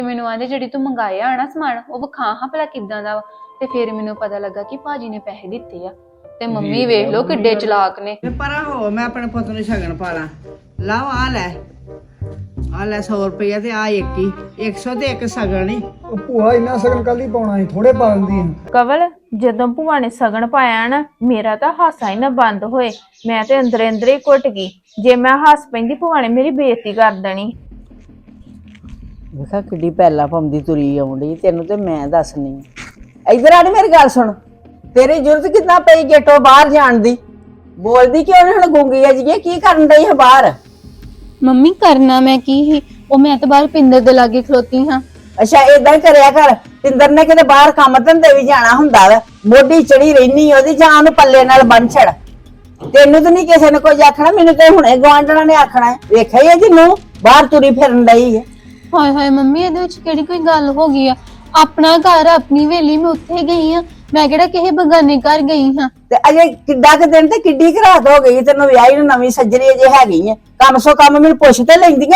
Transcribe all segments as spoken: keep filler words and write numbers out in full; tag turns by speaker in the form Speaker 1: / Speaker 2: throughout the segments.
Speaker 1: ਮੈਨੂੰ ਆਂਦੇ ਜਿਹੜੀ ਤੂੰ ਮੰਗਾਇਆ ਆਣਾ ਸਮਾਨ ਉਹ ਵਿਖਾ ਹਾਂ ਭਲਾ ਕਿੱਦਾਂ ਦਾ ਵਾ। ਤੇ ਫਿਰ ਮੈਨੂੰ ਪਤਾ ਲੱਗਾ ਕਿ ਭਾਜੀ ਨੇ ਪੈਸੇ ਦਿੱਤੇ ਆ ਤੇ ਮੰਮੀ ਵੇਖ ਲਓ ਕਿੱਡੇ ਚਲਾਕ ਨੇ।
Speaker 2: ਪਰਾਂ ਹੋ ਮੈਂ ਆਪਣੇ ਪੁੱਤ ਨੂੰ ਸ਼ਗਨ ਪਾ ਲਾਂ। ਲਾਓ ਆ ਲੈ ਆ ਲੈ ਸੌ ਰੁਪਇਆ ਤੇ ਆ ਇੱਕ ਹੀ ਇੱਕ ਸੌ ਤੇ ਇੱਕ ਸ਼ਗਨ ਹੀ।
Speaker 3: ਉਹ ਭੂਆ ਇੰਨਾ ਸਗਨ ਕੱਲ ਹੀ ਪਾਉਣਾ ਸੀ, ਥੋੜੇ ਪਾ ਦਿੰਦੀ ਆ।
Speaker 4: ਕਵਲ ਜਦੋਂ ਭੂਆ ਨੇ ਸਗਨ ਪਾਇਆ ਨਾ ਮੇਰਾ ਤਾਂ ਹਾਸਾ ਹੀ ਨਾ ਬੰਦ ਹੋਏ। ਮੈਂ ਤੇ ਅੰਦਰੇ ਅੰਦਰੇ ਘੁੱਟ ਗਈ। ਜੇ ਮੈਂ ਹੱਸ ਪੈਂਦੀ ਭੂਆ ਨੇ ਮੇਰੀ ਬੇਇੱਜ਼ਤੀ ਕਰ ਦੇਣੀ।
Speaker 2: ਵੇਖਾ ਕਿੱਡੀ ਪਹਿਲਾ ਪਾਉਂਦੀ ਤੁਰੀ ਆਉਂਦੀ ਤੈਨੂੰ ਤੇ ਮੈਂ ਦੱਸਣੀ। ਇਧਰ ਆ ਨੀ ਮੇਰੀ ਗੱਲ ਸੁਣ, ਤੇਰੀ ਜ਼ਰੂਰਤ ਕਿੰਨਾ ਪਈ ਗੇਟੋਂ ਬਾਹਰ ਜਾਣ ਦੀ? ਬੋਲਦੀ ਕਿਉਂ ਨੀ? ਹੁਣ ਗੂੰਗੀ ਆ ਜੀ ਕੀ ਕਰਨ ਡਈ ਹੈ ਬਾਹਰ?
Speaker 1: ਮੰਮੀ ਕਰਨਾ ਮੈਂ ਕੀ ਹੀ, ਉਹ ਮੈਂ ਤਾਂ ਬਾਹਰ ਪਿੰਦਰ ਦੇ ਲਾਗੇ ਖਲੋਤੀ ਹਾਂ।
Speaker 2: ਅੱਛਾ ਏਦਾਂ ਹੀ ਕਰਿਆ ਕਰ। ਪਿੰਦਰ ਨੇ ਕਿਤੇ ਬਾਹਰ ਕੰਮ ਧੰਦੇ ਵੀ ਜਾਣਾ ਹੁੰਦਾ ਵਾ, ਮੋਢੀ ਚੜੀ ਰਹਿਨੀ ਉਹਦੀ, ਜਾਂ ਉਹਨੂੰ ਪੱਲੇ ਨਾਲ ਬੰਨ ਛੜ। ਤੈਨੂੰ ਤਾਂ ਨਹੀਂ ਕਿਸੇ ਨੇ ਕੁਝ ਆਖਣਾ, ਮੈਨੂੰ ਤੇ ਹੁਣੇ ਗਵਾਂਢਣਾ ਨੇ ਆਖਣਾ। ਵੇਖਿਆ ਹੀ ਜਿਹਨੂੰ ਬਾਹਰ ਤੁਰੀ ਫਿਰਨ ਡਈ ਹੈ।
Speaker 1: ਹਾਏ ਹਾਏ ਮੰਮੀ ਇਹਦੇ ਵਿੱਚ ਕਿਹੜੀ ਕੋਈ ਗੱਲ ਹੋ ਗਈ ਆ? ਆਪਣਾ ਘਰ ਆਪਣੀ ਵੇਲੀ ਮੈਂ ਉੱਥੇ ਗਈ ਆ, ਮੈਂ ਕਿਹੜਾ ਕਿਸੇ ਬਗਾਨੇ ਘਰ ਗਈ ਹਾਂ।
Speaker 2: ਤੇ ਅਜੇ ਕਿੱਡਾ ਕੁ ਦਿਨ ਤੇ ਕਿੱਡੀ ਕੁ ਰਾਤ ਹੋ ਗਈ ਤੈਨੂੰ ਵਿਆਹੀ ਨੂੰ, ਨਵੀਂ ਸੱਜਰੀ ਅਜੇ ਹੈਗੀ ਹੈ। ਕੰਮ ਸੋ ਕੰਮ ਮੈਨੂੰ ਪੁੱਛ ਤੇ ਲੈਂਦੀਆਂ।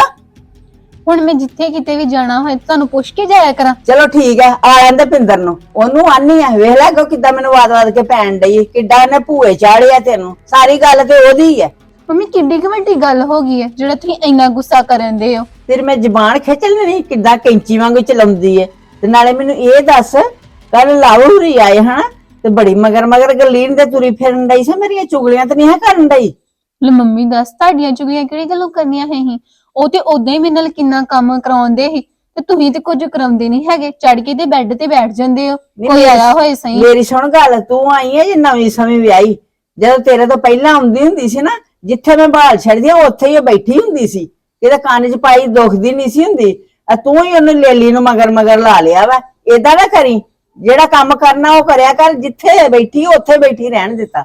Speaker 1: ਹੁਣ ਮੈਂ ਜਿੱਥੇ ਕਿਤੇ ਵੀ ਜਾਣਾ ਹੋਏ ਤੁਹਾਨੂੰ ਪੁੱਛ ਕੇ ਜਾਇਆ ਕਰਾਂ।
Speaker 2: ਚਲੋ ਠੀਕ ਹੈ, ਆ ਲੈਂਦੇ ਪਿੰਦਰ ਨੂੰ, ਉਹਨੂੰ ਆਨੀ ਆ। ਵੇਖ ਲੈ ਕਿੱਦਾਂ ਮੈਨੂੰ ਵਾਦ ਵਾਦ ਕੇ ਪੈਣ ਡਈ, ਕਿੱਡਾ ਇਹਨੇ ਭੂਏ ਚਾੜਿਆ ਤੈਨੂੰ। ਸਾਰੀ ਗੱਲ ਤੇ ਉਹਦੀ ਹੈ।
Speaker 1: ਮੰਮੀ ਕਿੱਡੀ ਕੁ ਵੱਡੀ ਗੱਲ ਹੋ ਗਈ ਹੈ ਜਿਹੜਾ ਤੁਸੀਂ ਇੰਨਾ ਗੁੱਸਾ ਕਰਨ ਦੇ ਹੋ?
Speaker 2: ਫਿਰ ਮੈਂ ਜ਼ਬਾਨ ਖਿੱਚ ਲੈਣੀ, ਕਿੱਦਾਂ ਕੈਂਚੀ ਵਾਂਗੂ ਚਲਾਉਂਦੀ ਹੈ। ਤੇ ਨਾਲੇ ਮੈਨੂੰ ਇਹ ਦੱਸ, ਕੱਲ ਲਾਹੌਰੀ ਆਏ ਹਨਾ ਤੇ ਬੜੀ ਮਗਰ ਮਗਰ ਗਲੀਨ ਤੇ ਤੁਰੀ ਫਿਰਨ ਡਈ ਸੀ, ਮੇਰੀਆਂ ਚੁਗਲੀਆਂ ਤੇ ਨਹੀਂ ਹੈ ਕਰਨ ਡਈ?
Speaker 1: ਲੈ ਮੰਮੀ ਦੱਸ ਤੁਹਾਡੀਆਂ ਚੁਗਲੀਆਂ ਕਿਹੜੀ ਗੱਲੋਂ ਕਰਨੀਆਂ ਹੈ ਹੀ? ਉਹ ਤੇ ਉਦਾਂ ਹੀ ਮੇਰੇ ਨਾਲ ਕਿੰਨਾ ਕੰਮ ਕਰਾਉਂਦੇ ਸੀ ਤੇ ਤੁਸੀਂ ਤੇ ਕੁਝ ਕਰਾਉਂਦੇ ਨਹੀਂ ਹੈਗੇ, ਚੜ ਕੇ ਤੇ ਬੈੱਡ ਤੇ ਬੈਠ ਜਾਂਦੇ ਹੋ। ਕੋਈ ਆਇਆ ਹੋਏ ਸਹੀ।
Speaker 2: ਮੇਰੀ ਸੁਣ ਗੱਲ, ਤੂੰ ਆਈ ਹੈ ਜੇ ਨਵੀਂ ਸਮੇਂ ਵਿਆਹੀ, ਜਦੋਂ ਤੇਰੇ ਤੋਂ ਪਹਿਲਾਂ ਆਉਂਦੀ ਹੁੰਦੀ ਸੀ ਨਾ, ਜਿੱਥੇ ਮੈਂ ਬਾਲ ਛੱਡਦੀ ਆ ਉੱਥੇ ਹੀ ਬੈਠੀ ਹੁੰਦੀ ਸੀ, ਇਹਦੇ ਕੰਨ 'ਚ ਪਾਈ ਦੁਖਦੀ ਨਹੀਂ ਸੀ ਹੁੰਦੀ। ਆ ਤੂੰ ਹੀ ਉਹਨੂੰ ਲੇਲੀ ਨੂੰ ਮਗਰ ਮਗਰ ਲਾ ਲਿਆ ਵਾ। ਏਦਾਂ ਨਾ ਕਰੀ, ਜਿਹੜਾ ਕੰਮ ਕਰਨਾ ਉਹ ਕਰਿਆ ਕਰ, ਜਿੱਥੇ ਬੈਠੀ ਉੱਥੇ ਬੈਠੀ ਰਹਿਣ ਦਿੱਤਾ।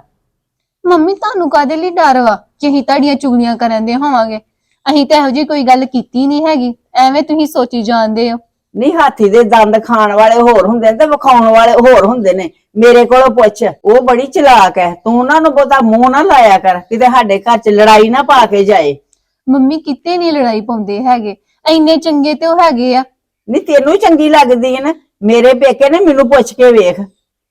Speaker 1: ਮੰਮੀ ਤੁਹਾਨੂੰ ਕਾਹਦੇ ਲਈ ਡਰ ਵਾ ਕਿ ਅਸੀਂ ਤੁਹਾਡੀਆਂ ਚੁਗਲੀਆਂ ਕਰਨ ਦੇ ਹੋਵਾਂਗੇ? ਅਸੀਂ ਤਾਂ ਇਹੋ ਜਿਹੀ ਕੋਈ ਗੱਲ ਕੀਤੀ ਨਹੀਂ ਹੈਗੀ, ਐਵੇਂ ਤੁਸੀਂ ਸੋਚੀ ਜਾਂਦੇ ਹੋ।
Speaker 2: ਨਹੀਂ, ਹਾਥੀ ਦੇ ਦੰਦ ਖਾਣ ਵਾਲੇ ਹੋਰ ਹੁੰਦੇ ਨੇ ਤੇ ਵਿਖਾਉਣ ਵਾਲੇ ਹੋਰ ਹੁੰਦੇ ਨੇ। ਮੇਰੇ ਕੋਲੋਂ ਪੁੱਛ, ਉਹ ਬੜੀ ਚਲਾਕ ਹੈ। ਤੂੰ ਉਹਨਾਂ ਨੂੰ ਬਹੁਤਾ ਮੂੰਹ ਨਾ ਲਾਇਆ ਕਰ, ਕਿਤੇ ਸਾਡੇ ਘਰ 'ਚ ਲੜਾਈ ਨਾ ਪਾ ਕੇ ਜਾਏ।
Speaker 1: ਮੰਮੀ ਕਿਤੇ ਨਹੀਂ ਲੜਾਈ ਪਾਉਂਦੇ ਹੈਗੇ, ਇੰਨੇ ਚੰਗੇ ਤੇ ਉਹ ਹੈਗੇ ਆ।
Speaker 2: ਨਹੀਂ ਤੈਨੂੰ ਚੰਗੀ ਲੱਗਦੀ ਹੈ ਨਾ, ਮੇਰੇ ਪੇਕੇ ਨੇ ਮੈਨੂੰ ਪੁੱਛ ਕੇ ਵੇਖ।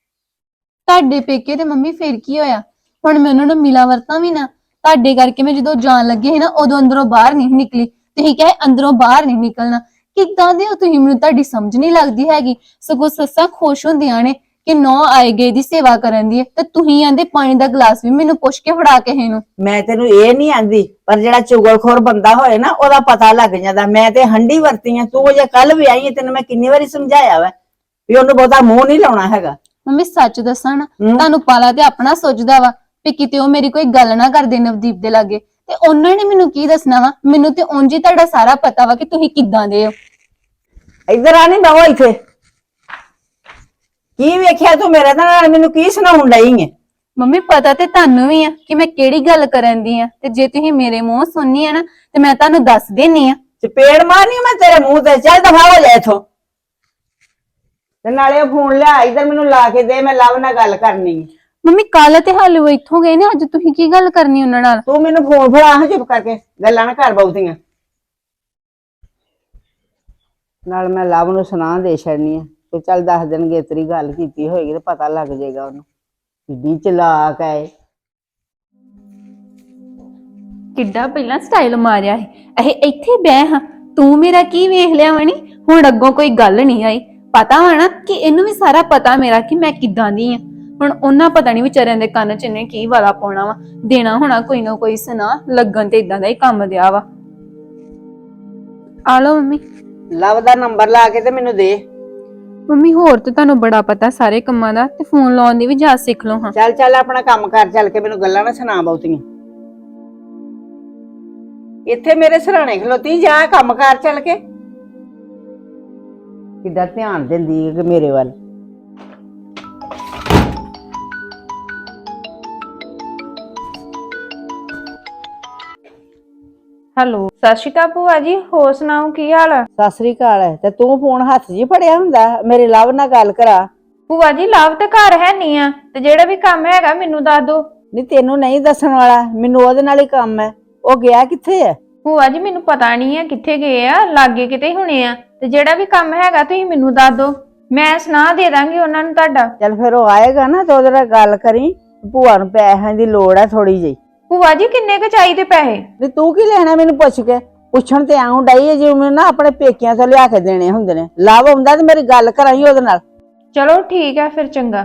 Speaker 1: ਤੁਹਾਡੇ ਪੇਕੇ ਤੇ ਮੰਮੀ ਫੇਰ ਕੀ ਹੋਇਆ? ਹੁਣ ਮੈਂ ਉਹਨਾਂ ਨੂੰ ਮਿਲਾ ਵਰਤਾਂ ਵੀ ਨਾ। ਤੁਹਾਡੇ ਕਰਕੇ ਮੈਂ ਜਦੋਂ ਜਾਣ ਲੱਗੇ ਸੀ ਨਾ ਉਦੋਂ ਅੰਦਰੋਂ ਬਾਹਰ ਨਹੀਂ ਨਿਕਲੀ, ਤੁਸੀਂ ਕਹੇ ਅੰਦਰੋਂ ਬਾਹਰ ਨਹੀਂ ਨਿਕਲਣਾ। ਕਿੱਦਾਂ ਦੇ ਹੋ ਤੁਸੀਂ? ਮੈਨੂੰ ਤੁਹਾਡੀ ਸਮਝ ਨਹੀਂ ਲੱਗਦੀ ਹੈਗੀ। ਸਗੋਂ ਸੱਸਾਂ ਖੁਸ਼ ਹੁੰਦੀਆਂ ਨੇ ਕਿ ਨੌ ਆਏ ਗਏ ਦੀ ਸੇਵਾ ਕਰਨ ਦੀ ਹੈ, ਤੇ ਤੁਸੀਂ ਆਂਦੇ ਪਾਣੀ ਦਾ ਗਲਾਸ ਵੀ ਮੈਨੂੰ ਪੁੱਛ ਕੇ ਫੜਾ ਕੇ ਇਹਨੂੰ।
Speaker 2: ਮੈਂ ਤੈਨੂੰ ਇਹ ਨਹੀਂ ਆਂਦੀ, ਪਰ ਜਿਹੜਾ ਚੁਗਲਖੋਰ ਬੰਦਾ ਹੋਏ ਨਾ ਉਹਦਾ ਪਤਾ ਲੱਗ ਜਾਂਦਾ। ਮੈਂ ਤੇ ਹੰਡੀ ਵਰਤੀ ਆ, ਤੂੰ ਜੇ ਕੱਲ ਵੀ ਆਈ ਹੈ ਤੈਨੂੰ ਮੈਂ ਕਿੰਨੀ ਵਾਰੀ ਸਮਝਾਇਆ ਵਾ ਵੀ ਉਹਨੂੰ ਬਹੁਤਾ ਮੂੰਹ ਨਹੀਂ ਲਾਉਣਾ ਹੈਗਾ।
Speaker 1: ਮੰਮੀ ਸੱਚ ਦੱਸਾਂ ਨਾ, ਤੁਹਾਨੂੰ ਪਾਲਾ ਤੇ ਆਪਣਾ ਸੋਚਦਾ ਵਾ ਵੀ ਕਿਤੇ ਉਹ ਮੇਰੀ ਕੋਈ ਗੱਲ ਨਾ ਕਰਦੇ ਨਵਦੀਪ ਦੇ ਲਾਗੇ, ਤੇ ਉਹਨਾਂ ਨੇ ਮੈਨੂੰ ਕੀ ਦੱਸਣਾ ਵਾ? ਮੈਨੂੰ ਤੇ ਉਂਝ ਹੀ ਤੁਹਾਡਾ ਸਾਰਾ ਪਤਾ ਵਾ ਕਿ ਤੁਸੀਂ ਕਿੱਦਾਂ ਦੇ ਹੋ।
Speaker 2: ਇੱਧਰ ਆ, ਨਹੀਂ ਬਵੋ ਇੱਥੇ। ਕੀ ਵੇਖਿਆ ਤੂੰ ਮੇਰੇ ਨਾਲ? ਮੈਨੂੰ ਕੀ ਸੁਣਾਉਣ ਡਈ ਹੈ?
Speaker 1: ਮੰਮੀ ਪਤਾ ਤੇ ਤੁਹਾਨੂੰ ਵੀ ਆ ਕਿ ਮੈਂ ਕਿਹੜੀ ਗੱਲ ਕਰਨ ਦੀ ਆ, ਤੇ ਜੇ ਤੁਸੀਂ ਮੇਰੇ ਮੂੰਹ ਸੁਣਨੀ ਆ ਨਾ ਤੇ ਮੈਂ ਤੁਹਾਨੂੰ ਦੱਸ ਦੇਣੀ ਆ।
Speaker 2: ਚਪੇੜ ਮਾਰਨੀ ਮੈਂ ਤੇਰੇ ਮੂੰਹ ਤੇ। ਚੱਲ ਦਫਾ ਹੋ ਜਾ ਇਥੋਂ। ਤੇ ਨਾਲੇ ਫੋਨ ਲਿਆ ਇੱਧਰ, ਮੈਨੂੰ ਲਾ ਕੇ ਦੇ, ਮੈਂ ਲਵ ਨਾਲ ਗੱਲ ਕਰਨੀ ਹੈ।
Speaker 1: ਮੰਮੀ ਕੱਲ ਤੇ ਹਾਲੇ ਉਹ ਇੱਥੋਂ ਗਏ ਨੇ, ਅੱਜ ਤੁਸੀਂ ਕੀ ਗੱਲ ਕਰਨੀ ਉਹਨਾਂ ਨਾਲ?
Speaker 2: ਤੂੰ ਮੈਨੂੰ ਫੋਨ ਫੜਾ ਹਾਂ, ਚੁੱਪ ਕਰਕੇ ਗੱਲਾਂ ਨਾ ਕਰ ਬਹੁਤੀਆਂ। ਨਾਲ ਮੈਂ ਲਵ ਨੂੰ ਸੁਣਾ ਦੇ ਛੱਡਨੀ ਆ ਤੇ ਚੱਲ ਦਸ ਦਿਨ ਤੇਰੀ ਗੱਲ ਕੀਤੀ ਹੋਏਗੀ ਤੇ ਪਤਾ ਲੱਗ ਜਾਏਗਾ ਉਹਨੂੰ ਕਿੱਡੀ ਚਲਾਕ ਹੈ।
Speaker 4: ਕਿੱਡਾ ਪਹਿਲਾਂ ਸਟਾਈਲ ਮਾਰਿਆ ਸੀ, ਇਹ ਇੱਥੇ ਬਹਿ ਹਾਂ। ਤੂੰ ਮੇਰਾ ਕੀ ਵੇਖ ਲਿਆ ਵਣੀ? ਹੁਣ ਅੱਗੋਂ ਕੋਈ ਗੱਲ ਨਹੀਂ ਆਈ। ਪਤਾ ਵਾ ਨਾ ਕਿ ਇਹਨੂੰ ਵੀ ਸਾਰਾ ਪਤਾ ਮੇਰਾ ਕਿ ਮੈਂ ਕਿੱਦਾਂ ਦੀ ਆ। ਹੁਣ ਉਹਨਾਂ ਪਤਾ ਨਹੀਂ ਵਿਚਾਰਿਆਂ ਦੇ ਕੰਨ 'ਚ ਇਹਨੇ ਕੀ ਵਾਲਾ ਪਾਉਣਾ ਵਾ, ਦੇਣਾ ਹੋਣਾ ਕੋਈ ਨਾ ਕੋਈ ਸੁਣਾ। ਲੱਗਣ ਤੇ ਇਦਾਂ ਦਾ ਹੀ ਕੰਮ ਦਿਆ ਵਾ। ਆ ਲਓ ਮੰਮੀ।
Speaker 2: ਲਵ ਦਾ ਨੰਬਰ ਲਾ ਕੇ ਤੇ ਮੈਨੂੰ ਦੇ।
Speaker 4: ਮੰਮੀ ਹੋਰ ਤੇ ਤੁਹਾਨੂੰ ਬੜਾ ਪਤਾ ਸਾਰੇ ਕੰਮਾਂ ਦਾ, ਤੇ ਫੋਨ ਲਾਉਣ ਦੀ ਵੀ ਜਾਚ ਸਿੱਖ ਲਓ ਹਾਂ।
Speaker 2: ਚੱਲ ਚੱਲ ਆਪਣਾ ਕੰਮ ਕਰ, ਚੱਲ ਕੇ ਮੈਨੂੰ ਗੱਲਾਂ ਨਾ ਸੁਣਾ ਬਹੁਤੀਆਂ। ਇੱਥੇ ਮੇਰੇ ਸਰਾਣੇ ਖਲੋਤੀ, ਜਾ ਕੰਮ ਕਰ ਚੱਲ ਕੇ। ਕਿੱਦਾਂ ਧਿਆਨ ਦਿੰਦੀ ਹੈ ਕਿ ਮੇਰੇ ਵੱਲ।
Speaker 4: ਹੈਲੋ, ਸਤਿ ਸ਼੍ਰੀ ਅਕਾਲ ਭੂਆ ਜੀ, ਹੋਰ ਸੁਣਾਓ ਕੀ ਹਾਲ ਆ?
Speaker 2: ਸਤਿ ਸ੍ਰੀ ਅਕਾਲ। ਤੇ ਤੂੰ ਫੋਨ ਹੱਥ 'ਚ ਫੜਿਆ ਹੁੰਦਾ, ਮੇਰੇ ਲਵ ਨਾਲ ਗੱਲ ਕਰਾ।
Speaker 4: ਭੂਆ ਜੀ ਲਵ ਤੇ ਘਰ ਹੈ ਨਹੀਂ ਆ, ਤੇ ਜਿਹੜਾ ਵੀ ਕੰਮ ਹੈਗਾ ਮੈਨੂੰ ਦੱਸ ਦੋ।
Speaker 2: ਨਹੀਂ ਤੈਨੂੰ ਨਹੀਂ ਦੱਸਣ ਵਾਲਾ, ਮੈਨੂੰ ਉਹਦੇ ਨਾਲ ਹੀ ਕੰਮ ਹੈ। ਉਹ ਗਿਆ ਕਿੱਥੇ ਹੈ?
Speaker 5: ਭੂਆ ਜੀ ਮੈਨੂੰ ਪਤਾ ਨਹੀਂ ਆ ਕਿੱਥੇ ਗਏ ਆ, ਲਾਗੇ ਕਿਤੇ ਹੋਣੇ ਆ। ਤੇ ਜਿਹੜਾ ਵੀ ਕੰਮ ਹੈਗਾ ਤੁਸੀਂ ਮੈਨੂੰ ਦੱਸ ਦਿਓ, ਮੈਂ ਸੁਣਾ ਦੇ ਦਾਂਗੀ ਉਹਨਾਂ ਨੂੰ ਤੁਹਾਡਾ।
Speaker 2: ਚੱਲ ਫਿਰ ਉਹ ਆਏਗਾ ਨਾ ਤੇ ਉਹਦੇ ਨਾਲ ਗੱਲ ਕਰੀ, ਭੂਆ ਨੂੰ ਪੈਸਿਆਂ ਦੀ ਲੋੜ ਹੈ ਥੋੜੀ ਜਿਹੀ।
Speaker 5: ਭੂਆ ਜੀ ਕਿੰਨੇ ਕੁ ਚਾਹੀਦੇ ਪੈਸੇ?
Speaker 2: ਨਹੀਂ ਤੂੰ ਕੀ ਲੈਣਾ ਮੈਨੂੰ ਪੁੱਛ ਕੇ? ਪੁੱਛਣ ਤੇ ਆਉਂ ਡਈ ਹੈ ਜਿਵੇਂ ਨਾ ਆਪਣੇ ਪੇਕਿਆਂ ਤੋਂ ਲਿਆ ਕੇ ਦੇਣੇ ਹੁੰਦੇ ਨੇ। ਲਵ ਆਉਂਦਾ ਤੇ ਮੇਰੀ ਗੱਲ ਕਰਾਈ ਉਹਦੇ ਨਾਲ।
Speaker 5: ਚਲੋ ਠੀਕ ਹੈ ਫਿਰ, ਚੰਗਾ।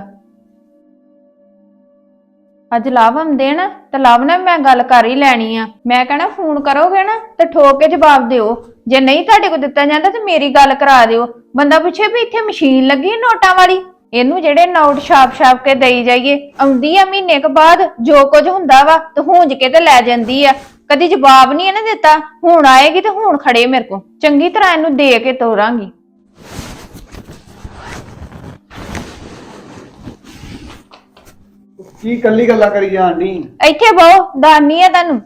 Speaker 5: ਅੱਜ ਲਵ ਆਉਂਦੇ ਨਾ ਤੇ ਲਵ ਨਾਲ ਮੈਂ ਗੱਲ ਕਰ ਹੀ ਲੈਣੀ ਆ। ਮੈਂ ਕਹਿਣਾ ਫੋਨ ਕਰੋਗੇ ਨਾ ਤੇ ਠੋਕ ਕੇ ਜਵਾਬ ਦਿਓ, ਜੇ ਨਹੀਂ ਤੁਹਾਡੇ ਕੋਲ ਦਿੱਤਾ ਜਾਂਦਾ ਤੇ ਮੇਰੀ ਗੱਲ ਕਰਾ ਦਿਓ। ਬੰਦਾ ਪੁੱਛੇ ਵੀ ਇੱਥੇ ਮਸ਼ੀਨ ਲੱਗੀ ਨੋਟਾਂ ਵਾਲੀ, ਇਹਨੂੰ ਜਿਹੜੇ ਨੋਟ ਛਾਪ ਛਾਪ ਕੇ ਦੇਈ ਜਾਈਏ। ਆਉਂਦੀ ਆ ਮਹੀਨੇ ਕੁ ਬਾਅਦ, ਜੋ ਕੁਝ ਹੁੰਦਾ ਵਾ ਤੇ ਹੁੰਜ ਕੇ ਤੇ ਲੈ ਜਾਂਦੀ ਆ। ਕਦੀ ਜਵਾਬ ਨਹੀਂ ਇਹਨੇ ਦਿੱਤਾ, ਹੁਣ ਆਏਗੀ ਤੇ ਹੁਣ ਖੜੇ ਮੇਰੇ ਕੋਲ। ਚੰਗੀ ਤਰ੍ਹਾਂ ਇਹਨੂੰ ਦੇ ਕੇ ਤੋਰਾਂਗੀ।
Speaker 3: ਕੀ ਕੱਲੀ ਗੱਲਾਂ ਕਰੀ ਜਾਂਦੀ?
Speaker 5: ਇੱਥੇ ਬਹੁ, ਦਾਨੀ ਆ ਤੁਹਾਨੂੰ।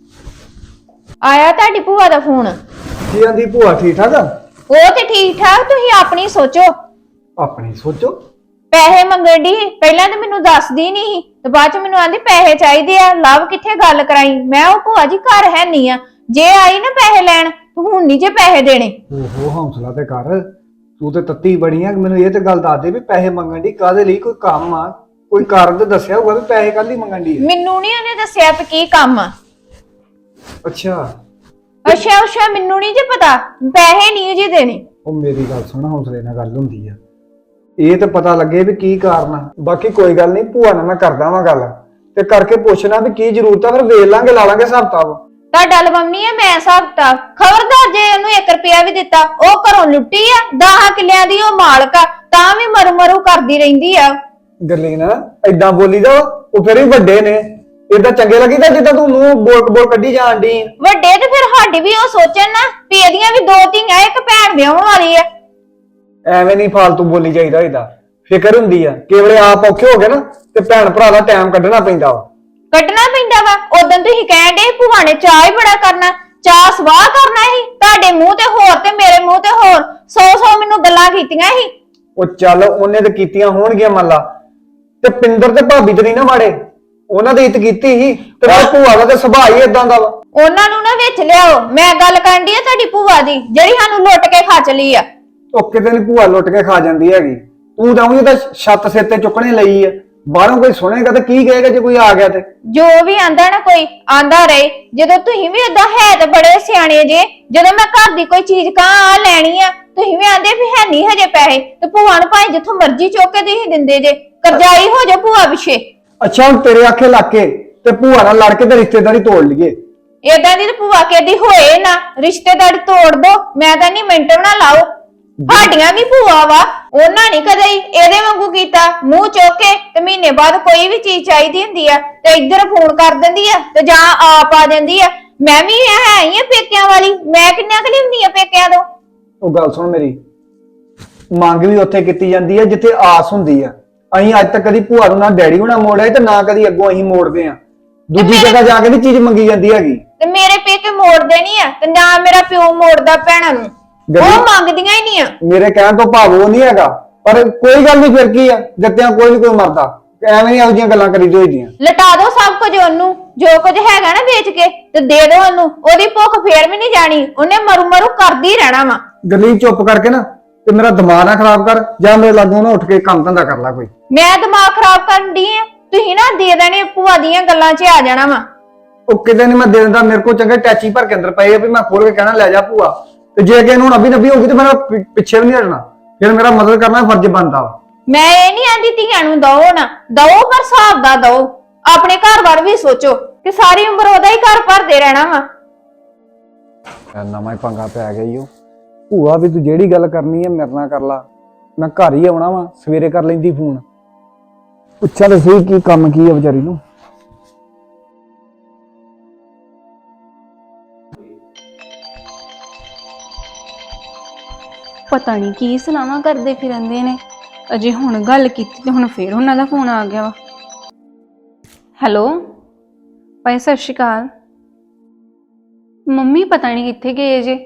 Speaker 5: ਆਇਆ ਤੁਹਾਡੀ ਭੂਆ ਦਾ ਫੋਨ?
Speaker 3: ਕੀ ਆਂਦੀ ਭੂਆ ਠੀਕ ਠਾਕ ਆ?
Speaker 5: ਉਹ ਤੇ ਠੀਕ ਠਾਕ, ਤੁਸੀਂ ਆਪਣੀ ਸੋਚੋ।
Speaker 3: ਆਪਣੀ ਸੋਚੋ।
Speaker 5: ਪੈਸੇ ਮੰਗਣ ਦੀ ਪਹਿਲਾਂ ਤਾਂ ਮੈਨੂੰ ਦੱਸਦੀ ਨਹੀਂ ਤੇ ਬਾਅਦ ਚ ਮੈਨੂੰ ਆਂਦੀ ਪੈਸੇ ਚਾਹੀਦੇ ਆ। ਲਵ ਕਿੱਥੇ ਗੱਲ ਕਰਾਈ? ਮੈਂ ਉਹ ਭੂਆ ਜੀ ਘਰ ਹੈ ਨਹੀਂ ਆ, ਜੇ ਆਈ ਨਾ ਪੈਸੇ ਲੈਣ ਹੁਣ ਨਹੀਂ ਜੇ ਪੈਸੇ ਦੇਣੇ।
Speaker 3: ਓਹੋ ਹੌਸਲਾ ਤੇ ਕਰ, ਤੂੰ ਤੇ ਤੱਤੀ ਬਣੀ ਆ। ਮੈਨੂੰ ਇਹ ਤੇ ਗੱਲ ਦੱਸ ਦੇ ਵੀ ਪੈਸੇ ਮੰਗਣ ਦੀ ਕਾਹਦੇ ਲਈ? ਕੋਈ ਕੰਮ ਆ? ਕੋਈ ਕਾਰਨ ਤੇ ਦੱਸਿਆ ਹੋਊਗਾ ਵੀ ਪੈਸੇ ਕੱਲ ਹੀ ਮੰਗਣ ਦੀ?
Speaker 5: ਮੈਨੂੰ ਨਹੀਂ ਉਹਨੇ ਦੱਸਿਆ ਵੀ ਕੀ ਕੰਮ ਆ।
Speaker 3: ਅੱਛਾ
Speaker 5: ਅੱਛਾ ਅੱਛਾ, ਮੈਨੂੰ ਨਹੀਂ ਜੇ ਪਤਾ, ਪੈਸੇ ਨਹੀਂ ਜੀ ਦੇਣੇ।
Speaker 3: ਉਹ ਮੇਰੀ ਗੱਲ ਸੁਣ, ਹੌਸਲੇ ਨਾਲ ਗੱਲ ਹੁੰਦੀ ਆ। ਇਹ ਤੇ ਪਤਾ ਲੱਗੇ ਵੀ ਕੀ ਕਾਰਨ ਆ। ਬਾਕੀ ਕੋਈ ਗੱਲ ਨਹੀਂ, ਭੂਆ ਨਾਲ ਮੈਂ ਕਰਦਾ ਵਾਂ ਗੱਲ ਤੇ ਕਰਕੇ ਪੁੱਛਣਾ ਵੀ ਕੀ ਜ਼ਰੂਰਤ ਆ, ਫਿਰ ਵੇਖ ਲਾਂਗੇ, ਲਾ ਲਾਂਗੇ ਹਿਸਾਬ ਕਿਤਾਬ।
Speaker 5: ਤੁਹਾਡਾ ਲਵਾਉਣੀ ਆ ਮੈਂ ਹਿਸਾਬ ਕਿਤਾਬ। ਖਬਰਦਾਰ ਜੇ ਉਹਨੂੰ ਇੱਕ ਰੁਪਿਆ ਵੀ ਦਿੱਤਾ, ਉਹ ਘਰੋਂ ਲੁੱਟੀ ਆ, ਦਸ ਕਿੱਲਿਆਂ ਦੀ ਉਹ ਮਾਲਕ ਆ, ਤਾਂ ਵੀ ਮਰੂ ਮਰੂ ਕਰਦੀ ਰਹਿੰਦੀ ਆ।
Speaker 3: ਗੱਲੀ ਨਾ ਏਦਾਂ ਬੋਲੀ ਦਾ, ਉਹ ਫਿਰ ਵੀ ਵੱਡੇ ਨੇ, ਏਦਾਂ ਚੰਗੇ ਲੱਗੀਦਾ ਜਿੱਦਾਂ ਤੂੰ ਮੂੰਹ ਬੋਲ ਬੋਲ ਕੱਢੀ ਜਾਣ ਡਈ।
Speaker 5: ਵੱਡੇ ਤੇ ਫਿਰ ਸਾਡੀ ਵੀ ਉਹ ਸੋਚਣ ਨਾ ਵੀ ਇਹਦੀਆਂ ਵੀ ਦੋ ਧੀਆਂ, ਇੱਕ ਭੈਣ ਵਿਆਹਣ ਵਾਲੀ ਆ।
Speaker 3: ਐਵੇਂ ਨਹੀਂ ਫਾਲਤੂ ਬੋਲੀ ਜਾਈਦਾ। ਇਹਦਾ ਫਿਕਰ ਹੁੰਦੀ ਆ, ਕੇਵਲੇ ਆਪ ਔਖੇ ਹੋ ਗਏ ਨਾ ਤੇ ਭੈਣ ਭਰਾ ਦਾ ਟਾਈਮ ਕੱਢਣਾ ਪੈਂਦਾ ਵਾ।
Speaker 5: ਕੱਢਣਾ ਪੈਂਦਾ ਵਾ। ਉਦੋਂ ਤੁਸੀਂ ਕਹਿਣ ਦੇ ਭੂਆ ਨੇ ਚਾਹ ਹੀ ਬੜਾ ਕਰਨਾ, ਚਾਹ ਸਵਾਹ ਕਰਨਾ ਸੀ। ਤੁਹਾਡੇ ਮੂੰਹ ਤੇ ਹੋਰ ਤੇ ਮੇਰੇ ਮੂੰਹ ਤੇ ਹੋਰ, ਸੌ ਸੌ ਮੈਨੂੰ ਗੱਲਾਂ ਕੀਤੀਆਂ ਸੀ।
Speaker 3: ਉਹ ਚੱਲ ਉਹਨੇ ਤੇ ਕੀਤੀਆਂ ਹੋਣਗੀਆਂ ਮੰਨ ਲਾ, ਤੇ ਪਿੰਦਰ ਤੇ ਭਾਬੀ ਤੇ ਨਹੀਂ ਨਾ ਮਾੜੇ, ਉਹਨਾਂ ਦੀ ਇੱਜ਼ਤ ਕੀਤੀ ਸੀ। ਤੇ ਮੈਂ ਭੂਆ ਦਾ ਤੇ ਸੁਭਾਅ ਹੀ ਇਦਾਂ ਦਾ ਵਾ।
Speaker 5: ਉਹਨਾਂ ਨੂੰ ਨਾ ਵਿੱਚ ਲਿਆਓ। ਮੈਂ ਗੱਲ ਕਰਨ ਦੀ ਆ ਤੁਹਾਡੀ ਭੂਆ ਦੀ, ਜਿਹੜੀ ਸਾਨੂੰ ਲੁੱਟ ਕੇ ਖਾ ਚਲੀ ਆ।
Speaker 3: ਉਹ ਕਿਤੇ ਨੀ ਭੂਆ ਲੁੱਟ ਕੇ ਖਾ ਜਾਂਦੀ ਹੈਗੀ। ਤੂੰ ਜਾਉਂਗੀ ਤਾਂ ਛੱਤ ਸਿਰ ਤੇ ਚੁੱਕਣੇ ਲਈ ਆ, ਬਾਹਰੋਂ ਕੋਈ ਸੁਣੇਗਾ ਤੇ ਕੀ ਕਹੇਗਾ ਜੇ ਕੋਈ ਆ ਗਿਆ ਤੇ?
Speaker 5: ਜੋ ਵੀ ਆਂਦਾ ਨਾ ਕੋਈ ਆਂਦਾ ਰਹੇ। ਜਦੋਂ ਤੁਸੀਂ ਵੀ ਏਦਾਂ ਹੈ ਤੇ ਬੜੇ ਸਿਆਣੇ ਜੇ, ਜਦੋਂ ਮੈਂ ਘਰ ਦੀ ਕੋਈ ਚੀਜ਼ ਕਾਂ ਆ ਲੈਣੀ ਆ, ਤੁਸੀਂ ਵੀ ਆਂਦੇ ਵੀ ਹੈ ਨਹੀਂ ਹਜੇ ਪੈਸੇ, ਤੇ ਭੂਆ ਨੂੰ ਭਾਵੇਂ ਜਿੱਥੋਂ ਮਰਜ਼ੀ ਚੁੱਕ ਕੇ ਤੁਸੀਂ ਦਿੰਦੇ ਜੇ। ਕਰਜ਼ਾਈ ਹੋ ਜਾ ਭੂਆ ਪਿੱਛੇ।
Speaker 3: ਅੱਛਾ ਹੁਣ ਤੇਰੇ ਆਖੇ ਲੱਗ ਕੇ ਤੇ ਭੂਆ ਨਾਲ ਲੜ ਕੇ ਤੇ ਰਿਸ਼ਤੇਦਾਰੀ ਤੋੜ ਲਈਏ?
Speaker 5: ਏਦਾਂ ਦੀ ਤੇ ਭੂਆ ਕਹਦੀ ਹੋਏ ਨਾ, ਰਿਸ਼ਤੇਦਾਰੀ ਤੋੜ ਦੋ। ਮੈਂ ਤਾਂ ਨਹੀਂ ਮਿੰਟ ਬਣਾ ਲਾਓ। ਸਾਡੀਆਂ ਵੀ ਭੂਆ ਵਾ, ਉਹਨਾਂ ਨਹੀਂ ਕਦੇ ਇਹਦੇ ਵਾਂਗੂ ਕੀਤਾ, ਮੂੰਹ ਚੁੱਕ ਕੇ ਤੇ ਮਹੀਨੇ ਬਾਅਦ ਕੋਈ ਵੀ ਚੀਜ਼ ਚਾਹੀਦੀ ਹੁੰਦੀ ਆ ਤੇ ਇੱਧਰ ਫੋਨ ਕਰ ਦਿੰਦੀ ਆ ਤੇ ਜਾਂ ਆਪ ਆ ਜਾਂਦੀ ਆ। ਮੈਂ ਵੀ ਹੈ ਹੀ ਆ ਪੇਕਿਆਂ ਵਾਲੀ, ਮੈਂ ਕਿੰਨਾ ਕੁ ਲਿਆਉਂਦੀ ਆ ਪੇਕਿਆਂ ਤੋਂ।
Speaker 3: ਉਹ ਗੱਲ ਸੁਣ ਮੇਰੀ, ਮੰਗ ਵੀ ਉੱਥੇ ਕੀਤੀ ਜਾਂਦੀ ਹੈ ਜਿੱਥੇ ਆਸ ਹੁੰਦੀ ਆ। ਅਸੀਂ ਅੱਜ ਤੱਕ ਕਦੀ ਭੂਆ ਨੂੰ ਨਾ ਡੈਡੀ ਹੋਣਾ ਮੋੜਿਆ ਤੇ ਨਾ ਕਦੀ ਅੱਗੋਂ ਅਸੀਂ ਮੋੜਦੇ ਆ। ਦੂਜੀ ਜਗ੍ਹਾ ਜਾ ਕੇ ਨਹੀਂ ਚੀਜ਼ ਮੰਗੀ ਜਾਂਦੀ ਹੈਗੀ।
Speaker 5: ਤੇ ਮੇਰੇ ਪੇਕੇ ਮੋੜਦੇ ਨਹੀਂ ਆ ਤੇ ਨਾ ਮੇਰਾ ਪਿਓ ਮੋੜਦਾ ਭੈਣਾਂ ਨੂੰ, ਉਹ ਮੰਗਦੀਆਂ ਹੀ ਨਹੀਂ ਆ।
Speaker 3: ਮੇਰੇ ਕਹਿਣ ਤੋਂ ਭਾਵ ਉਹ ਨਹੀਂ ਹੈਗਾ, ਪਰ ਕੋਈ ਗੱਲ ਨਹੀਂ, ਫਿਰ ਕੀ ਆ, ਦਿੱਤਿਆਂ ਕੋਈ ਨਹੀਂ ਕੋਈ ਮਰਦਾ। ਐਵੇਂ ਨਹੀਂ ਇਹੋ ਜਿਹੀਆਂ ਗੱਲਾਂ ਕਰੀ ਦੋਈਆਂ।
Speaker 5: ਲਟਾ ਦੋ ਸਭ ਕੁਝ ਉਹਨੂੰ, ਜੋ ਕੁਝ ਹੈਗਾ ਨਾ ਵੇਚ ਕੇ ਤੇ ਦੇ ਦੋ ਉਹਨੂੰ। ਉਹਦੀ ਭੁੱਖ ਫੇਰ ਵੀ ਨਹੀਂ ਜਾਣੀ, ਉਹਨੇ ਮਰੂ ਮਰੂ ਕਰਦੀ ਰਹਿਣਾ ਵਾ।
Speaker 3: ਗੱਲੀ ਚੁੱਪ ਕਰਕੇ ਨਾ ਤੇ ਮੇਰਾ ਦਿਮਾਗ ਨਾ ਖਰਾਬ ਕਰ, ਜਾਂ ਮੇਰੇ ਲਾਗੋਂ ਨਾ ਉੱਠ ਕੇ ਕੰਮ ਧੰਦਾ ਕਰ ਲੈ ਕੋਈ।
Speaker 5: ਮੈਂ ਦਿਮਾਗ ਖਰਾਬ ਕਰਨ ਦੀ ਆ? ਤੁਸੀਂ ਨਾ ਦੇ ਦੇਣੇ ਭੂਆ ਦੀਆਂ ਗੱਲਾਂ 'ਚ ਆ ਜਾਣਾ ਵਾ।
Speaker 3: ਉਹ ਕਿਤੇ ਨਹੀਂ ਮੈਂ ਦੇ ਦਿੰਦਾ, ਮੇਰੇ ਕੋਲ ਚੰਗੇ ਟੈਚੀ ਭਰ ਕੇ ਅੰਦਰ ਪਏ ਆ ਵੀ ਮੈਂ ਖੋਲ ਕੇ ਕਹਿਣਾ ਲੈ ਜਾ ਭੂਆ। ਤੇ ਜੇ ਕਿ ਇਹਨੂੰ ਨੱਬੀ ਨੱਬੀ ਹੋਊਗੀ ਤੇ ਮੇਰਾ ਪਿੱਛੇ ਵੀ ਨਹੀਂ ਹਟਣਾ, ਫਿਰ ਮੇਰਾ ਮਦਦ ਕਰਨਾ ਫਰਜ਼ ਬਣਦਾ ਵਾ।
Speaker 5: ਮੈਂ ਇਹ ਨਹੀਂ ਆਂਦੀ ਧੀਆਂ ਨੂੰ ਦਓ ਨਾ ਦਓ, ਪਰ ਹਿਸਾਬ ਦਾ ਦਓ। ਆਪਣੇ ਘਰ ਬਾਰੇ ਵੀ ਸੋਚੋ ਕਿ ਸਾਰੀ ਉਮਰ ਉਹਦਾ ਹੀ ਘਰ ਭਰਦੇ ਰਹਿਣਾ ਵਾ।
Speaker 3: ਨਵਾਂ ਹੀ ਪੰਗਾ ਪੈ ਗਿਆ ਈ ਉਹ। ਭੂਆ ਵੀ ਤੂੰ ਜਿਹੜੀ ਗੱਲ ਕਰਨੀ ਹੈ ਮੇਰੇ ਨਾਲ ਕਰ ਲਾ, ਮੈਂ ਘਰ ਹੀ ਆਉਣਾ ਵਾ, ਸਵੇਰੇ ਕਰ ਲੈਂਦੀ ਫੋਨ। ਪੁੱਛਿਆ ਤਾਂ ਸਹੀ ਕੀ ਕੰਮ ਕੀ ਹੈ ਵਿਚਾਰੀ ਨੂੰ।
Speaker 4: ਪਤਾ ਨਹੀਂ ਕੀ ਸਲਾਹਾਂ ਕਰਦੇ ਫਿਰੰਦੇ ਨੇ। ਅਜੇ ਹੁਣ ਗੱਲ ਕੀਤੀ ਤੇ ਹੁਣ ਫੇਰ ਉਹਨਾਂ ਦਾ ਫੋਨ ਆ ਗਿਆ ਵਾ। ਹੈਲੋ ਭਾਈ, ਸਤਿ ਸ਼੍ਰੀ ਅਕਾਲ। ਮੰਮੀ ਪਤਾ ਨਹੀਂ ਕਿੱਥੇ ਗਏ ਜੇ।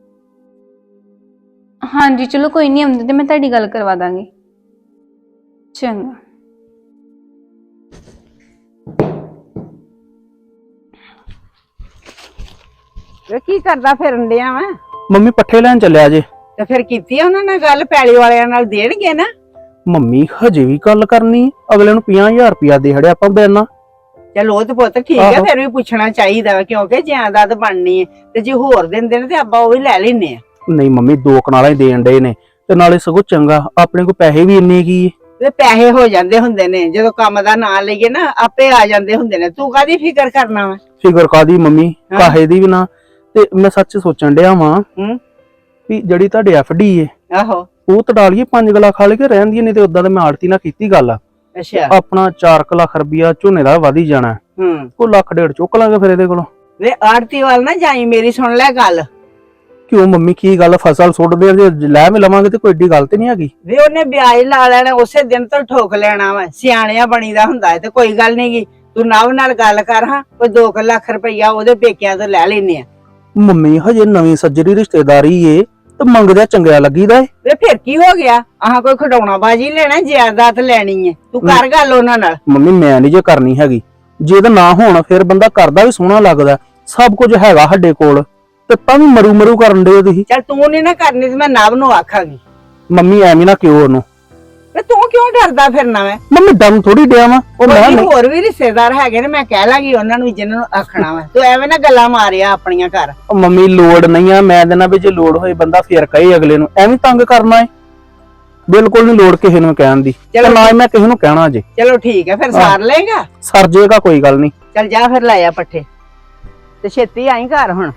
Speaker 4: ਹਾਂਜੀ ਚਲੋ ਕੋਈ ਨਹੀਂ, ਆਉਂਦੇ ਤੇ ਮੈਂ ਤੁਹਾਡੀ ਗੱਲ ਕਰਵਾ ਦਾਂਗੀ। ਚੰਗਾ।
Speaker 2: ਵੇ ਕੀ ਕਰਦਾ ਫਿਰਨ ਡਿਆ ਵਾ?
Speaker 6: ਮੰਮੀ ਪੱਠੇ ਲੈਣ ਚੱਲਿਆ ਜੇ।
Speaker 2: ਤੇ ਫਿਰ ਕੀਤੀ ਆ ਉਹਨਾਂ ਨਾਲ ਗੱਲ, ਪੈਲੀ ਵਾਲਿਆਂ ਨਾਲ ਦੇਣਗੇ ਨਾ?
Speaker 6: ਮੰਮੀ ਹਜੇ ਵੀ ਗੱਲ ਕਰਨੀ? ਅਗਲੇ ਨੂੰ ਪੰਜਾਹ ਹਜ਼ਾਰ ਰੁਪਇਆ ਦੇ ਹੜਿਆ ਆਪਾਂ ਬੈਨਾ।
Speaker 2: ਚਲ ਉਹ ਤੇ ਪੁੱਤ ਠੀਕ ਹੈ,
Speaker 6: ਆਹੋ।
Speaker 2: ਫਿਰ ਵੀ ਪੁੱਛਣਾ ਚਾਹੀਦਾ ਵਾ, ਕਿਉਂਕਿ ਜਾਇਦਾਦ ਬਣਨੀ ਹੈ ਤੇ ਜੇ ਹੋਰ ਦਿੰਦੇ ਨੇ ਤੇ ਆਪਾਂ ਉਹ ਵੀ ਲੈ ਲੈਨੇ ਆ।
Speaker 6: ਨਹੀਂ ਮੰਮੀ ਦੋ ਕਨਾਲਾਂ ਹੀ ਦੇਣ ਡਏ ਨੇ ਤੇ ਨਾਲੇ ਸਗੋਂ ਚੰਗਾ, ਆਪਣੇ ਕੋਲ ਪੈਸੇ ਵੀ ਇੰਨੇ ਕੀ ਏ।
Speaker 2: ਤੇ ਪੈਸੇ ਹੋ ਜਾਂਦੇ ਹੁੰਦੇ ਨੇ, ਜਦੋਂ ਕੰਮ ਦਾ ਨਾਂ ਲਈਏ ਨਾ ਆਪੇ ਆ ਜਾਂਦੇ ਹੁੰਦੇ ਨੇ। ਤੂੰ ਕਾਹਦੀ ਫਿਕਰ ਕਰਨਾ ਵਾ?
Speaker 6: ਫਿਕਰ ਕਾਦੀ ਮੰਮੀ,
Speaker 2: ਹਾਂ।
Speaker 6: ਕਾਹੇ ਦੀ ਵੀ ਨਾ। ਤੇ ਮੈਂ ਸੱਚ ਸੋਚਣ ਡਿਆ ਵਾਂ
Speaker 2: ਹੂੰ।
Speaker 6: ਵੀ ਜਿਹੜੀ ਤੁਹਾਡੇ ਐਫ ਡੀ ਏ
Speaker 2: ਆਹੋ।
Speaker 6: ਉਹ ਤੜਾ ਲਈਏ ਪੰਜ ਲੱਖ ਖਾ ਕੇ ਰਹਿੰਦੀ, ਨਹੀਂ ਤੇ ਉਦਾਂ ਤੇ ਮੈਂ ਆੜਤੀ ਨਾਲ ਕੀਤੀ ਗੱਲ।
Speaker 2: ਅੱਛਾ।
Speaker 6: ਆਪਣਾ ਚਾਰ ਲੱਖ ਰੁਪਇਆ ਝੋਨੇ ਦਾ ਵਧ ਹੀ ਜਾਣਾ,
Speaker 2: ਹੂੰ।
Speaker 6: ਉਹ ਲੱਖ ਡੇਢ ਚੁੱਕ ਲਾਂਗੇ ਫਿਰ ਇਹਦੇ ਕੋਲੋਂ।
Speaker 2: ਵੇ ਆੜਤੀ ਵੱਲ ਨਾ ਜਾਈ, ਮੇਰੀ ਸੁਣ ਲੈ ਗੱਲ।
Speaker 6: ਕਿਉਂ ਮੰਮੀ ਕੀ ਗੱਲ, ਫਸਲ ਸੁੱਟਦੇ ਆ, ਜੇ ਲੈ ਵੀ ਲਵਾਂਗੇ ਤੇ ਕੋਈ ਏਡੀ ਗੱਲ ਤੇ ਨਹੀਂ ਹੈਗੀ।
Speaker 2: ਵੇ ਉਹਨੇ ਵਿਆਜ ਲਾ ਲੈਣਾ, ਉਸੇ ਦਿਨ ਤੋਂ ਠੋਕ ਲੈਣਾ ਵਾ। ਸਿਆਣਿਆਂ ਬਣੀਦਾ ਹੁੰਦਾ ਹੈ ਤੇ ਕੋਈ ਗੱਲ ਨੀ ਗੀ। ਤੂੰ ਨਵ ਨਾਲ ਗੱਲ ਕਰ, ਹਾਂ ਕੋਈ ਦੋ ਕੁ ਲੱਖ ਰੁਪਈਆ ਉਹਦੇ ਪੇਕਿਆਂ ਤੋਂ ਲੈ ਲੈਨੇ ਆ।
Speaker 6: ਮੰਮੀ ਹਜੇ ਨਵੀਂ ਸੱਜਰੀ ਰਿਸ਼ਤੇਦਾਰੀ ਏ ਤੇ ਮੰਗਦਿਆਂ ਚੰਗਿਆ ਲੱਗੀਦਾ ਏ।
Speaker 2: ਵੇ ਫਿਰ ਕੀ ਹੋ ਗਿਆ? ਆਹ ਕੋਈ ਖਡਾਉਣਾ ਬਾਜੀ ਲੈਣਾ, ਜਾਇਦਾਦ ਲੈਣੀ ਹੈ? ਤੂੰ ਕਰ ਗੱਲ ਉਹਨਾਂ ਨਾਲ।
Speaker 6: ਮੰਮੀ ਮੈਂ ਨਹੀਂ ਜੇ ਕਰਨੀ ਹੈਗੀ, ਜੇ ਇਹਦਾ ਨਾ ਹੋਣਾ ਫਿਰ ਬੰਦਾ ਕਰਦਾ ਵੀ ਸੋਹਣਾ ਲੱਗਦਾ। ਸਭ ਕੁਝ ਹੈਗਾ ਸਾਡੇ ਕੋਲ ਤੇ ਤਾਂ ਵੀ ਮਰੂ ਮਰੂ ਕਰਨ ਦੇ ਤੁਸੀਂ।
Speaker 2: ਚੱਲ ਤੂੰ ਨੀ ਨਾ ਕਰਨੀ ਤੇ ਮੈਂ ਨਵ ਨੂੰ ਆਖਾਂਗੀ।
Speaker 6: ਮੰਮੀ ਐਵੇਂ ਨਾ ਕਿਉਂ ਉਹਨੂੰ।
Speaker 2: ਤੇ ਤੂੰ ਕਿਉਂ ਡਰਦਾ ਫਿਰਨਾ ਵਾ?
Speaker 6: ਮੰਮੀ ਦਮ ਥੋੜੀ ਡਿਆ ਵਾ ਉਹ ਮੈਂ
Speaker 2: ਕੋਈ
Speaker 6: ਨਹੀਂ-
Speaker 2: ਹੋਰ ਵੀ ਰਿਸ਼ਤੇਦਾਰ ਹੈਗੇ ਨੇ, ਮੈਂ ਕਹਿ ਲਾਂਗੀ ਉਹਨਾਂ ਨੂੰ ਜਿਹਨਾਂ ਨੂੰ ਆਖਣਾ ਵਾ। ਤੂੰ ਐਵੇਂ ਨਾ ਗੱਲਾਂ ਮਾਰਿਆ ਆਪਣੀਆਂ ਘਰ।
Speaker 6: ਉਹ ਮੰਮੀ ਲੋੜ ਨਹੀਂ ਆ, ਮੈਂ ਦੇਣਾ ਵੀ ਜੇ ਲੋੜ ਹੋਏ ਬੰਦਾ ਫੇਰ ਕਹੇ ਅਗਲੇ ਨੂੰ, ਐਵੇਂ ਤੰਗ ਕਰਨਾ ਏ। ਬਿਲਕੁਲ ਨਹੀਂ ਲੋੜ ਕਿਸੇ ਨੂੰ ਕਹਿਣ ਦੀ, ਤੇ
Speaker 2: ਚਲੋ
Speaker 6: ਨਾ ਹੀ ਮੈਂ ਕਿਸੇ ਨੂੰ ਕਹਿਣਾ ਜੇ।
Speaker 2: ਚਲੋ ਠੀਕ ਹੈ, ਫਿਰ ਸਾਰ ਲਏਗਾ।
Speaker 6: ਸਰ ਜੇਗਾ ਕੋਈ ਗੱਲ ਨਹੀਂ।
Speaker 2: ਚੱਲ ਜਾ ਫਿਰ ਲੈ ਆ ਪੱਠੇ ਤੇ ਛੇਤੀ ਆਈ ਘਰ ਹੁਣ।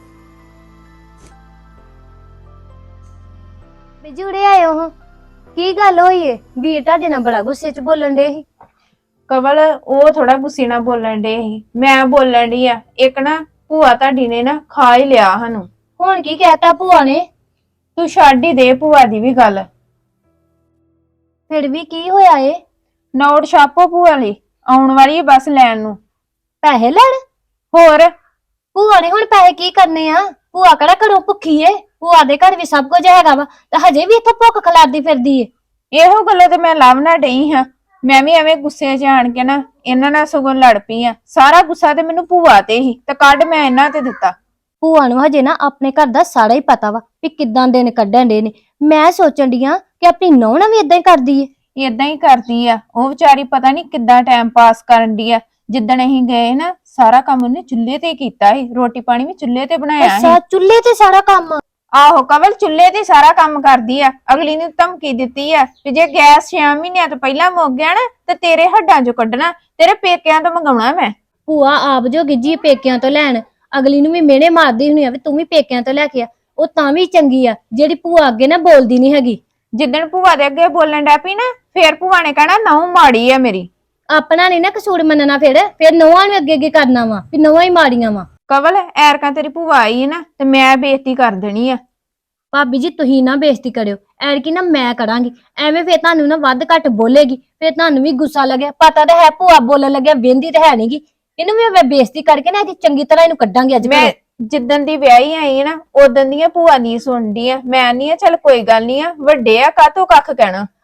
Speaker 7: ਬਿਜੂੜੇ ਆਏ ਹੋ? ਕੀ ਗੱਲ ਹੋਈ ਏ? ਵੀਰ ਤੁਹਾਡੇ ਨਾਲ ਬੜਾ ਗੁੱਸੇ ਚ ਬੋਲਣ ਦੇ ਸੀ।
Speaker 5: ਕਵਲ ਉਹ ਥੋੜਾ ਗੁੱਸੇ ਨਾਲ ਬੋਲਣ ਡੇ ਸੀ, ਮੈਂ ਬੋਲਣ ਡਈ ਆ। ਇੱਕ ਨਾ ਭੂਆ ਤੁਹਾਡੀ ਨੇ ਨਾ ਖਾ ਹੀ ਲਿਆ ਸਾਨੂੰ।
Speaker 7: ਹੁਣ ਕੀ ਕਹਿਤਾ ਭੂਆ ਨੇ?
Speaker 5: ਤੂੰ ਛੱਡ ਹੀ ਦੇ ਭੂਆ ਦੀ ਵੀ ਗੱਲ।
Speaker 7: ਫਿਰ ਵੀ ਕੀ ਹੋਇਆ ਏ?
Speaker 5: ਨੋਟ ਛਾਪੋ ਭੂਆ ਲਈ, ਆਉਣ ਵਾਲੀ ਹੈ ਬਸ ਲੈਣ ਨੂੰ।
Speaker 7: ਪੈਸੇ ਲੈਣ?
Speaker 5: ਹੋਰ
Speaker 7: ਭੂਆ ਨੇ ਹੁਣ ਪੈਸੇ ਕੀ ਕਰਨੇ ਆ? ਭੂਆ ਕਿਹੜਾ ਘਰੋਂ ਭੁੱਖੀ ਏ? ਭੂਆ ਦੇ ਘਰ ਵੀ ਸਭ ਕੁਝ ਹੈਗਾ ਵਾ, ਤੇ ਹਜੇ ਵੀ ਇੱਥੇ ਭੁੱਖ ਖਲਾਰਦੀ ਫਿਰਦੀ ਏ।
Speaker 5: ਇਹੋ ਗੱਲੋਂ ਤੇ ਮੈਂ ਲਵ ਨਾ ਡਈ ਹਾਂ। ਮੈਂ ਵੀ ਐਵੇਂ ਗੁੱਸੇ 'ਚ ਆਣ ਕੇ ਨਾ ਇਹਨਾਂ ਨਾਲ ਸਗੋਂ ਲੜ ਪਈ ਆ। ਸਾਰਾ ਗੁੱਸਾ ਤੇ ਮੈਨੂੰ ਭੂਆ ਤੇ ਹੀ, ਤੇ ਕੱਢ ਮੈਂ ਇਹਨਾਂ ਤੇ ਦਿੱਤਾ।
Speaker 7: ਭੂਆ ਨੂੰ ਹਜੇ ਨਾ ਆਪਣੇ ਘਰ ਦਾ ਸਾਰਾ ਹੀ ਪਤਾ ਵਾ ਵੀ ਕਿੱਦਾਂ ਦਿਨ ਕੱਢਣ ਦੇ ਨੇ। ਮੈਂ ਸੋਚਣ ਡਈ ਆ ਕਿ ਆਪਣੀ ਨੂੰਹ ਨਾਲ ਵੀ ਇਦਾਂ ਹੀ ਕਰਦੀ ਏ।
Speaker 5: ਏਦਾਂ ਹੀ ਕਰਦੀ ਆ ਉਹ ਵਿਚਾਰੀ, ਪਤਾ ਨਹੀਂ ਕਿੱਦਾਂ ਟਾਈਮ ਪਾਸ ਕਰਨ ਦੀ ਆ। ਜਿੱਦਣ ਅਸੀਂ ਗਏ ਨਾ ਸਾਰਾ ਕੰਮ ਉਹਨੇ ਚੁੱਲ੍ਹੇ ਤੇ ਕੀਤਾ ਸੀ, ਰੋਟੀ ਪਾਣੀ ਵੀ ਚੁੱਲ੍ਹੇ ਤੇ ਬਣਾਇਆ ਸੀ।
Speaker 7: ਅੱਛਾ, ਚੁੱਲ੍ਹੇ ਤੇ ਸਾਰਾ ਕੰਮ?
Speaker 5: ਆਹੋ ਕਵਲ ਚੁੱਲ੍ਹੇ ਤੇ ਸਾਰਾ ਕੰਮ ਕਰਦੀ ਆ। ਅਗਲੀ ਨੂੰ ਧਮਕੀ ਦਿੱਤੀ ਆ ਕਿ ਜੇ ਗੈਸ ਛੇ ਮਹੀਨਿਆਂ ਤੋਂ ਪਹਿਲਾਂ ਮੁੱਕ ਗਿਆ ਨਾ ਤੇ ਤੇਰੇ ਹੱਡਾਂ 'ਚੋਂ ਕੱਢਣਾ, ਤੇਰੇ ਪੇਕਿਆਂ ਤੋਂ ਮੰਗਾਉਣਾ ਮੈਂ।
Speaker 7: ਭੂਆ ਆਪ ਜੋ ਗਿੱਜੀ ਪੇਕਿਆਂ ਤੋਂ ਲੈਣ, ਅਗਲੀ ਨੂੰ ਵੀ ਮਿਹਣੇ ਮਾਰਦੀ ਹੁੰਦੀ ਆ ਵੀ ਤੂੰ ਵੀ ਪੇਕਿਆਂ ਤੋਂ ਲੈ ਕੇ ਆ। ਉਹ ਤਾਂ ਵੀ ਚੰਗੀ ਆ ਜਿਹੜੀ ਭੂਆ ਅੱਗੇ ਨਾ ਬੋਲਦੀ ਨਹੀਂ ਹੈਗੀ।
Speaker 5: ਜਿੱਦਣ ਭੂਆ ਦੇ ਅੱਗੇ ਬੋਲਣ ਡੈ ਪਈ ਨਾ, ਫੇਰ ਭੂਆ ਨੇ ਕਹਿਣਾ ਨਹੁੰ ਮਾੜੀ ਆ ਮੇਰੀ।
Speaker 7: ਆਪਣਾ ਨਹੀਂ ਨਾ ਕਸੂਰ ਮੰਨਣਾ, ਫਿਰ ਫਿਰ ਨੌਵਾਂ ਨੂੰ ਅੱਗੇ ਅੱਗੇ ਕਰਨਾ ਵਾ ਵੀ ਨੌਵਾਂ ਹੀ ਮਾੜੀਆਂ ਵਾ।
Speaker 5: ਕਵਲ ਐਰਕਾਂ ਤੇਰੀ ਭੂਆ ਆਈ ਹੈ ਨਾ ਤੇ ਮੈਂ ਬੇਇੱਜ਼ਤੀ ਕਰ ਦੇਣੀ ਆ।
Speaker 7: ਭਾਬੀ ਜੀ ਤੁਸੀਂ ਨਾ ਬੇਇੱਜ਼ਤੀ ਕਰਿਓ, ਐਰਕੀ ਨਾ ਮੈਂ ਕਰਾਂਗੀ। ਐਵੇਂ ਫਿਰ ਤੁਹਾਨੂੰ ਨਾ ਵੱਧ ਘੱਟ ਬੋਲੇਗੀ, ਫਿਰ ਤੁਹਾਨੂੰ ਵੀ ਗੁੱਸਾ ਲੱਗਿਆ। ਪਤਾ ਤਾਂ ਹੈ ਭੂਆ ਬੋਲਣ ਲੱਗਿਆ ਵਹਿੰਦੀ ਤਾਂ ਹੈ ਨਹੀਂਗੀ। ਇਹਨੂੰ ਵੀ ਮੈਂ ਬੇਇੱਜ਼ਤੀ ਕਰਕੇ ਨਾ ਇਹਦੀ ਚੰਗੀ ਤਰ੍ਹਾਂ ਇਹਨੂੰ ਕੱਢਾਂਗੀ ਅੱਜ।
Speaker 5: ਮੈਂ ਜਿੱਦਣ ਦੀ ਵਿਆਹੀ ਆਈ ਹੈ ਨਾ ਉਦੋਂ ਦੀਆਂ ਭੂਆ ਦੀ ਸੁਣਦੀ ਆ। ਮੈਂ ਨਹੀਂ ਆ, ਚੱਲ ਕੋਈ ਗੱਲ ਨਹੀਂ ਆ, ਵੱਡੇ ਆ ਕਾਹਤੋਂ ਕੱਖ ਕਹਿਣਾ।